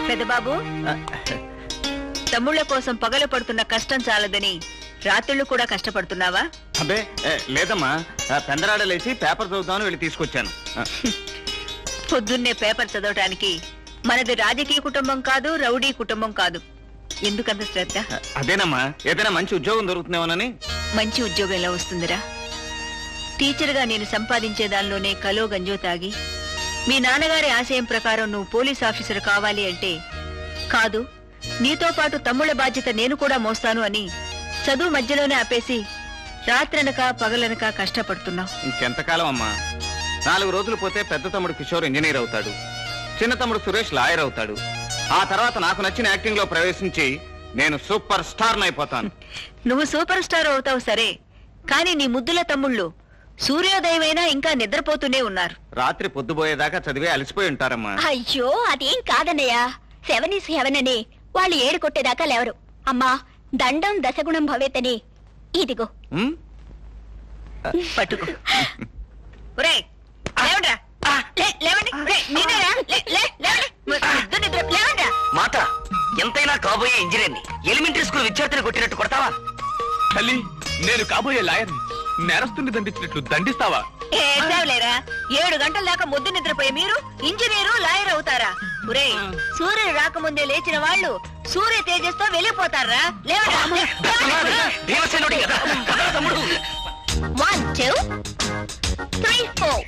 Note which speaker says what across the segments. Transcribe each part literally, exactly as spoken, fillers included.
Speaker 1: పెద్దబాబు, తమ్ముళ్ళ కోసం పగలు పడుతున్న కష్టం చాలదని రాత్రుళ్ళు కూడా కష్టపడుతున్నావా?
Speaker 2: అబ్బే లేదమ్మా, పెందరాడలేసి పేపర్ చదువుతామని వెళ్ళి తీసుకొచ్చాను.
Speaker 1: పొద్దున్నే పేపర్ చదవటానికి మనది రాజకీయ కుటుంబం కాదు, రౌడీ కుటుంబం కాదు. ఎందుకంత శ్రద్ధ?
Speaker 2: అదేనమ్మా, ఏదైనా మంచి ఉద్యోగం దొరుకుతుందేమోనని.
Speaker 1: మంచి ఉద్యోగం ఎలా వస్తుందిరా? టీచర్ గా నేను సంపాదించే దానిలోనే కలో గంజో తాగి మీ నాన్నగారి ఆశయం ప్రకారం నువ్వు పోలీస్ ఆఫీసర్ కావాలి అంటే, కాదు నీతో పాటు తమ్ముళ్ళ బాధ్యత నేను కూడా మోస్తాను అని చదువు మధ్యలోనే ఆపేసి రాత్రనక పగలనక కష్టపడుతున్నావు.
Speaker 2: ఇంకెంతకాలం అమ్మా? నాలుగు రోజులు పోతే పెద్ద తమ్ముడు కిషోర్ ఇంజనీర్ అవుతాడు, చిన్న తమ్ముడు సురేష్ లాయర్ అవుతాడు. ఆ తర్వాత నాకు నచ్చిన యాక్టింగ్ లో ప్రవేశించి నేను సూపర్ స్టార్ అయిపోతాను.
Speaker 1: నువ్వు సూపర్ స్టార్ అవుతావు సరే, కానీ నీ ముద్దుల తమ్ముళ్ళు సూర్యోదయమైనా ఇంకా నిద్రపోతూనే ఉన్నారు.
Speaker 2: రాత్రి పొద్దుపోయేదాకా చదివే అలసిపోయి ఉంటారమ్మా.
Speaker 3: అయ్యో అదేం కాదన్నయ్యా, సెవెన్ ఈస్ హెవెన్ అని వాళ్ళు ఏడు కొట్టేదాకా లేవరు. అమ్మా దండం దశగుణం భవేతని ఇదిగో
Speaker 1: పట్టుకో. ఒరేయ్, లేవండ్రా. లే- లేవండి. ఒరేయ్, మీరేరా? లే- లే- లేవండి. ముద్దు నిద్ర లేవండ్రా.
Speaker 4: మాట ఎంతైనా కాబోయే ఇంజనీర్ని ఎలిమెంటరీ స్కూల్ విద్యార్థిని కొట్టినట్టు కొడతావా?
Speaker 5: తల్లి, నేను కాబోయే లాయర్ని నేరస్తుని దండించినట్లు దండిస్తావా?
Speaker 1: ఏడ్చావులేరా? ఏడు గంటల దాకా ముద్దు నిద్రపోయి మీరు ఇంజనీరు లాయర్ అవుతారా? ఒరేయ్, సూర్యుడు రాకముందే లేచిన వాళ్ళు సూర్య తేజస్తో వెళ్ళిపోతారా? లేవరా?
Speaker 4: దేవసేనుడి కదా కదా తమ్ముడు.
Speaker 3: One two three four.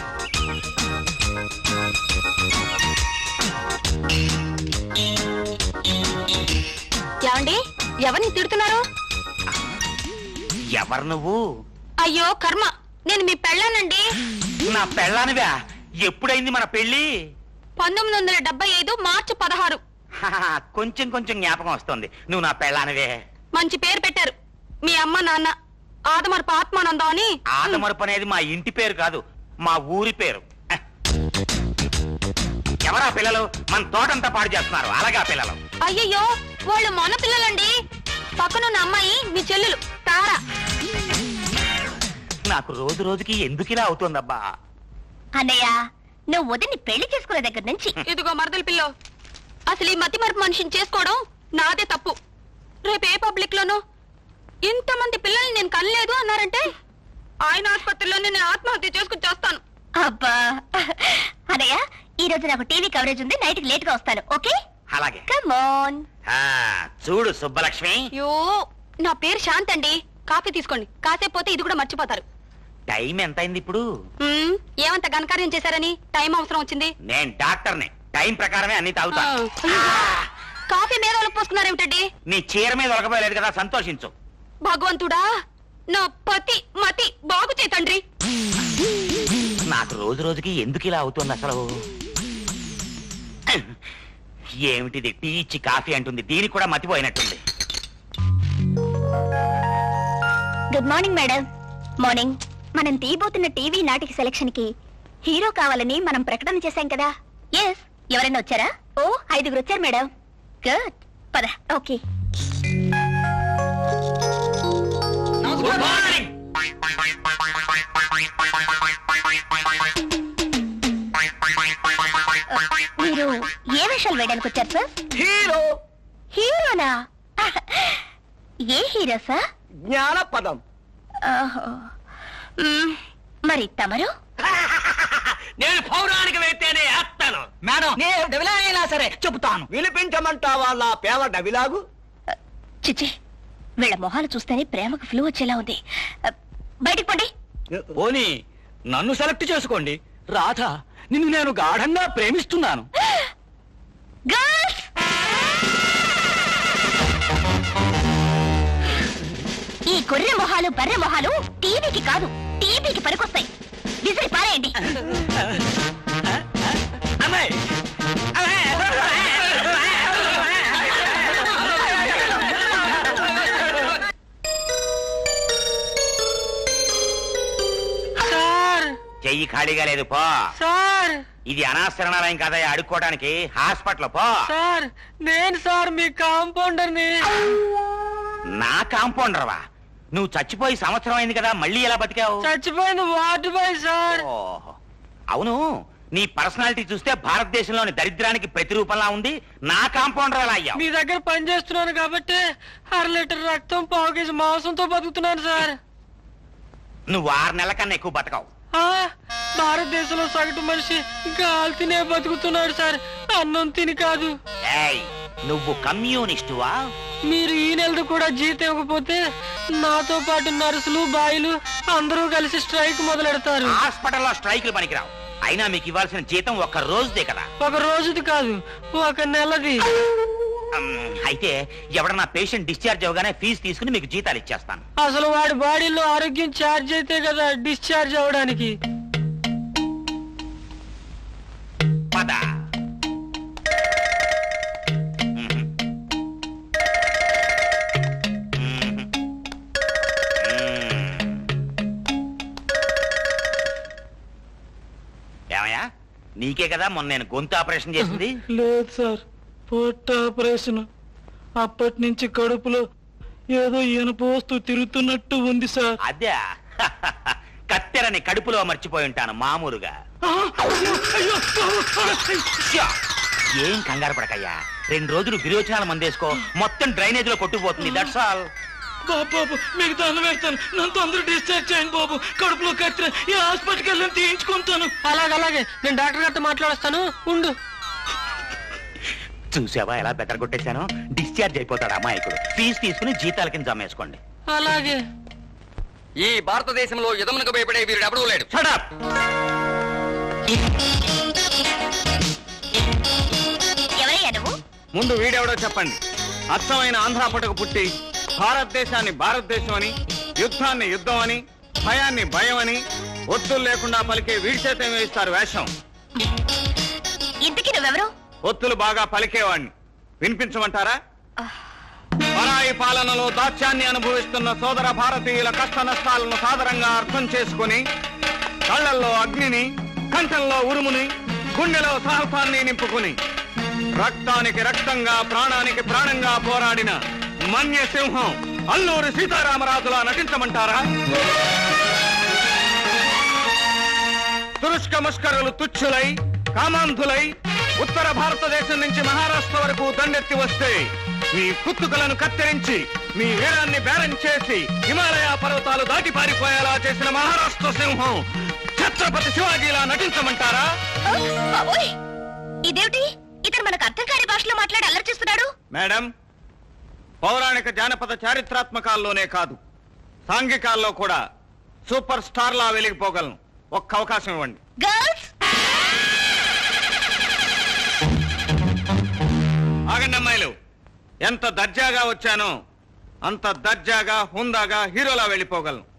Speaker 3: ఏమండి, ఎవరిని తిడుతున్నారు?
Speaker 4: ఎవరు నువ్వు?
Speaker 3: అయ్యో కర్మ, నేను మీ పెళ్ళానండి.
Speaker 4: నా పెళ్ళానివా? ఎప్పుడైంది మన పెళ్లి?
Speaker 3: పంతొమ్మిది వందల డెబ్బై ఐదు మార్చి పదహారు.
Speaker 4: హాహా, కొంచెం కొంచెం జ్ఞాపకం వస్తుంది. నువ్వు నా పెళ్ళానివే.
Speaker 3: మంచి పేరు పెట్టారు మీ అమ్మ నాన్న, ఆదమరపు ఆత్మానందం అని.
Speaker 4: ఆదమరపు అనేది మా ఇంటి పేరు కాదు, మా ఊరి పేరు. ఎవరా పిల్లలు? మన తోటంతా పాడు చేస్తున్నారు. అలాగా పిల్లలు?
Speaker 3: అయ్యయ్యో, వాళ్ళు మన పిల్లలండి. పక్కనున్న అమ్మాయి మీ చెల్లెలు తారా.
Speaker 4: నాకు రోజు రోజుకి ఎందుకు ఇలా అవుతుందబ్బా?
Speaker 3: అన్నయ్య, నువ్వు వదిని పెళ్లి చేసుకునే దగ్గర నుంచి ఇదిగో మరదల పిల్ల, అసలు ఈ మతి మరపు మనిషిని చేసుకోవడం నాదే తప్పు. రేపు ఏ పబ్లిక్ లోనో ఇంతమంది పిల్లల్ని నేను కనలేదు అన్నారంటే ఆయన ఆసుపత్రిలోనే నేను ఆత్మహత్య చేసుకుని చేస్తాను. అబ్బా అన్నయ్య, ఈ రోజు నాకు టీవీ కవరేజ్ ఉంది, నైట్ కి లేట్ గా వస్తాను. ఓకే?
Speaker 4: అలాగే.
Speaker 3: Come on.
Speaker 4: చూడు సుబ్బలక్ష్మి,
Speaker 3: యో, నా పేరు శాంత్ అండి. కాఫీ తీసుకోండి, కాసేపు పోతే ఇది కూడా మర్చిపోతారు.
Speaker 4: టైం ఎంత అయింది ఇప్పుడు?
Speaker 3: మ్మ్, ఏమంత ఘనకార్యం చేశారని టైం అవసరం వచ్చింది?
Speaker 4: నేను డాక్టర్ని, టైం ప్రకారమే అన్ని తాగుతాను.
Speaker 3: కాఫీ మీద ఒలపోసుకున్నారేమిటండి?
Speaker 4: నీ చీర మీద ఒలకపోయలేదు కదా, సంతోషించు.
Speaker 3: భగవంతుడా, నా పతి మతి బాగు చేయి తండ్రి.
Speaker 4: నాకు రోజు రోజుకి ఎందుకు ఇలా అవుతుంది అసలు? ఏమిటిది? టీ ఇచ్చి కాఫీ అంటుంది, దీనికి కూడా మతిపోయినట్టుంది.
Speaker 3: Good morning madam. మార్నింగ్. మనం తీయబోతున్న టీవీ నాటిక సెలక్షన్ కి హీరో కావాలని మనం ప్రకటన చేశాం కదా. ఎస్. ఎవరైనా వచ్చారా? ఓ, ఐదుగురు వచ్చారు మేడం. గుడ్, పద. ఓకే.
Speaker 4: Good morning.
Speaker 3: మీరు ఏ వేషాలు వేయడానికి వచ్చారు సార్?
Speaker 4: హీరో.
Speaker 3: హీరోనా? ఏ హీరో సార్?
Speaker 4: జ్ఞానపదం.
Speaker 3: మరి తమరు?
Speaker 4: నేను పౌరాణిక వేస్తేనే వేస్తాను మేడం. నేను డబిలాగైనా సరే చెబుతాను. వినిపించమంటావా నా పేవ డబిలాగు?
Speaker 3: చిచి, వీళ్ళ మొహాలు చూస్తేనే ప్రేమకు ఫ్లూ వచ్చేలా ఉంది. బయటికి పండి.
Speaker 5: పోనీ నన్ను సెలెక్ట్ చేసుకోండి. రాధ, నిన్ను నేను గాఢంగా ప్రేమిస్తున్నాను.
Speaker 3: గర్ల్స్, ఈ గొర్రె మొహాలు బర్రె మొహాలు టీవీకి కాదు, టీవీకి పనికొస్తాయి. విసిరి పారేయండి.
Speaker 4: అమ్మాయి చెయ్యి ఖాళీగా లేదు, పో.
Speaker 6: సార్,
Speaker 4: ఇది అనాశరణాలయం కదా అడుక్కోవడానికి, హాస్పిటల్ పో.
Speaker 6: సార్ నేను సార్ మీ కాంపౌండర్ని.
Speaker 4: నా కాంపౌండర్వా? నువ్వు చచ్చిపోయి సంవత్సరం అయింది కదా, మళ్ళీ ఎలా బతికావు?
Speaker 6: చచ్చిపోయింది వార్డు బాయ్ సార్.
Speaker 4: ఓహో. అవును, నీ పర్సనాలిటీ చూస్తే భారతదేశంలోని దరిద్రానికి ప్రతిరూపంలా ఉంది. నా కాంపౌండర్ ఎలా అయ్యావు?
Speaker 6: మీ దగ్గర పని చేస్తున్నాను కాబట్టి అర లీటర్ రక్తం పావు కేజీ మాంసంతో బతుకుతున్నాను సార్.
Speaker 4: నువ్వు ఆరు నెలల కన్నా ఎక్కువ బతకవు.
Speaker 6: ఆ, భారతదేశంలో సగటు మనిషి గాలి తినే బతుకుతున్నాడు సార్, అన్నం తిని కాదు.
Speaker 4: ఏయ్, నువ్వు కమ్యూనిస్టువా?
Speaker 6: మీరు ఈ నెలది కూడా జీతం ఇవ్వకపోతే నాతో పాటు నర్సులు బాయిలు అందరూ కలిసి స్ట్రైక్ మొదలెడతారు.
Speaker 4: హాస్పిటల్లో స్ట్రైకులు పనికిరావు. అయినా మీకు ఇవ్వాల్సిన జీతం ఒక్క రోజుదే కదా.
Speaker 6: ఒక రోజుది కాదు, ఒక నెలది.
Speaker 4: అమ్, అయితే ఎవడన్నా పేషెంట్ డిశ్చార్జ్ అవగానే ఫీజు తీసుకుని మీకు జీతాలు ఇచ్చేస్తాను.
Speaker 6: అసలు వాడి బాడీలో ఆరోగ్యం ఛార్జ్ అయితే కదా డిశ్చార్జ్ అవడానికి.
Speaker 4: పద. ఏమయ్యా, నీకే కదా మొన్న నేను గొంతు ఆపరేషన్ చేసింది?
Speaker 6: లేదు సార్, పొట్ట ఆపరేషన్. అప్పటి నుంచి కడుపులో ఏదో ఇనుప వస్తువు తిరుగుతున్నట్టు ఉంది సార్.
Speaker 4: అదే కత్తెరని కడుపులో మర్చిపోయి ఉంటాను మామూలుగా. శ్యా! ఏం కంగారు పడకయ్యా, రెండు రోజులు విరోచనాలు మందేసుకో, మొత్తం డ్రైనేజ్ లో కొట్టుకుపోతుంది. That's all.
Speaker 6: బాబు మీకు దండం వేస్తాను, నన్ను తొందర డిశ్చార్జ్ చేయండి బాబు. కడుపులో కత్తిర ఈ హాస్పిటల్కి వెళ్ళి తీయించుకుంటాను. అలాగే అలాగే, నేను డాక్టర్ గారితో మాట్లాడేస్తాను, ఉండు.
Speaker 4: చూసావా ఎలా బెటర్ కొట్టేశాను? డిశ్చార్జ్ అయిపోతాడు అమాయకుడు. ఫీజు తీసుకుని జీతాల కింద జమేసుకోండి.
Speaker 6: అలాగే.
Speaker 7: ఈ భారతదేశంలో యుధమునకు భయపడే వీరుడు ఎవడూ లేడు.
Speaker 4: Shut up!
Speaker 3: ఎవరయ్యా నువ్వు?
Speaker 2: ముందు వీడెవడో చెప్పండి. అచ్చమైన ఆంధ్ర పుట్టకు పుట్టి భారతదేశాన్ని భారతదేశం అని, యుద్ధాన్ని యుద్ధం అని, భయాన్ని భయం అని ఒత్తులు లేకుండా పలికే వీడి చేత వేయిస్తారు వేషం.
Speaker 3: ఇంతకీ నువ్వెవరు?
Speaker 2: ఒత్తులు బాగా పలికేవాణ్ణి. వినిపించమంటారా? పరాయి పాలనలో దాస్యాన్ని అనుభవిస్తున్న సోదర భారతీయుల కష్ట నష్టాలను సాదరంగా అర్థం చేసుకుని కళ్ళల్లో అగ్నిని, కంఠంలో ఉరుముని, గుండెలో సాహసాన్ని నింపుకుని రక్తానికి రక్తంగా ప్రాణానికి ప్రాణంగా పోరాడిన మన్య సింహం అల్లూరి సీతారామరాజులా నటించమంటారా? తురుష్క ముష్కరులు తుచ్చులై కామాంధులై ఉత్తర భారతదేశం నుంచి మహారాష్ట్ర వరకు దండెత్తి వస్తే మీ కుత్తుకలను కత్తిరించి మీ వీరాన్ని బేరం చేసి హిమాలయ పర్వతాలు దాటి పారిపోయేలా చేసిన మహారాష్ట్ర సింహం ఛత్రపతి శివాజీలా నటించమంటారా?
Speaker 3: బాబోయ్, ఇదేమిటి? ఇతను మనకు అర్థం కాని భాషలో మాట్లాడి అల్లరి చేస్తున్నాడు.
Speaker 2: మేడం, పౌరాణిక జానపద చారిత్రాత్మకాల్లోనే కాదు సాంఘికాల్లో కూడా సూపర్ స్టార్ లా వెలిగిపోగలను. ఒక్క అవకాశం ఇవ్వండి.
Speaker 3: గర్ల్స్,
Speaker 2: ఆగండి అమ్మాయిలు. ఎంత దర్జాగా వచ్చానో అంత దర్జాగా హుందాగా హీరోలా వెళ్ళిపోగలను.